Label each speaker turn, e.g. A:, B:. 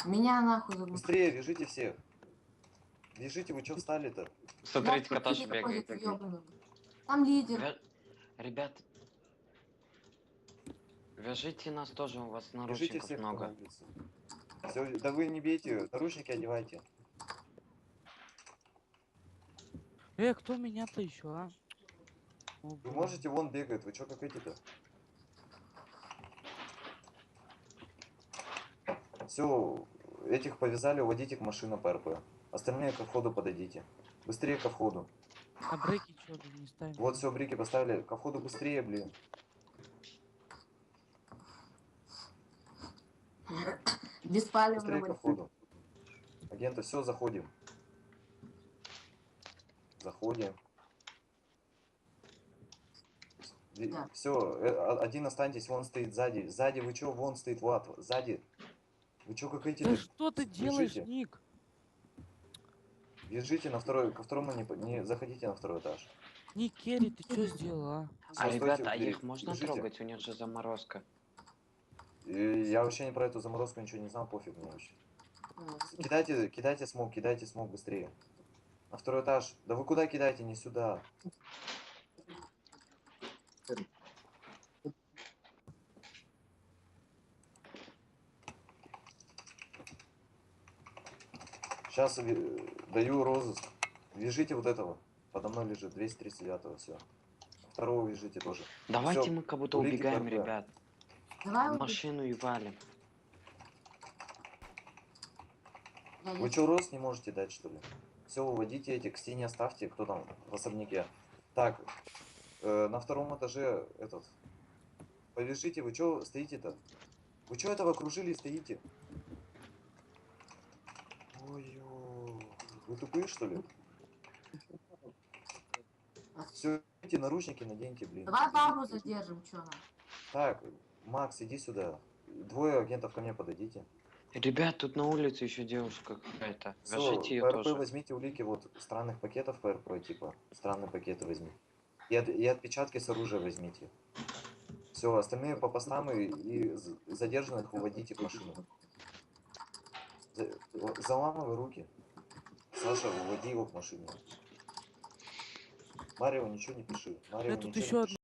A: Меня нахуй заглушили.
B: Быстрее, вяжите всех. Вяжите, вы чё встали-то?
C: Смотрите, Каташа бегает.
A: Там лидер.
C: Ребят, вяжите нас тоже, у вас
B: Вяжите
C: наручников
B: всех, кто на
C: много.
B: улице. Всё, да вы не бейте, наручники одевайте.
D: Кто меня-то еще, а? О,
B: Вы
D: блин.
B: можете, вон бегает, вы чё как эти-то? Все, этих повязали, уводите к машине ПРП. Остальные ко входу подойдите. Быстрее ко входу.
D: А брейки что, блин, не ставим?
B: Вот все, брики поставили. Ко входу быстрее, блин.
A: Беспалевно.
B: Быстрее ко входу. Агенты, все, заходим. Заходим.
A: Да.
B: Все, один останьтесь, вон стоит сзади. Сзади, вы чё, вон стоит, Влад, сзади. Вы чё, как эти?
D: Да что ты делаешь,
B: Бежите.
D: Ник?
B: Бежите на второй, ко второму не заходите на второй этаж.
D: Ник Керри, ты что сделал, а?
B: Всё,
C: А
B: стойте
C: ребята,
B: у
C: а
B: двери.
C: их можно
B: Бежите.
C: трогать? У них же заморозка.
B: И я вообще не про эту заморозку ничего не знал, пофиг мне вообще. Кидайте смог быстрее. На второй этаж. Да вы куда кидаете? Не сюда. Сейчас даю розыск. Вяжите вот этого. Подо мной лежит 239-го, все. Второго вяжите тоже.
C: Давайте
B: Всё,
C: мы как будто
B: улики
C: убегаем,
B: ПРП.
C: ребят.
A: Давай
C: В машину и валим.
B: Вы что, рост не можете дать, что ли? Все, выводите эти, к стене оставьте, кто там в особняке. Так, на втором этаже этот. Повяжите, вы что стоите-то? Вы что этого окружили и стоите? Ой-ё. Вы тупые, что ли? Все, эти наручники наденьте, блин.
A: Давай бабу задержим, чё нам?
B: Так, Макс, иди сюда. Двое агентов ко мне подойдите.
C: Ребят, тут на улице еще девушка какая-то.
B: Все,
C: Вяжите ее
B: ПРП
C: тоже.
B: возьмите улики вот странных пакетов ПРП, типа. Странные пакеты возьми. И отпечатки с оружия возьмите. Все, остальные по постам и задержанных уводите в машину. Заламывай руки. Саша, уводи его к машине. Марио, ничего не пиши. Марио,
D: Тут
B: ничего не
D: еще
B: пиши.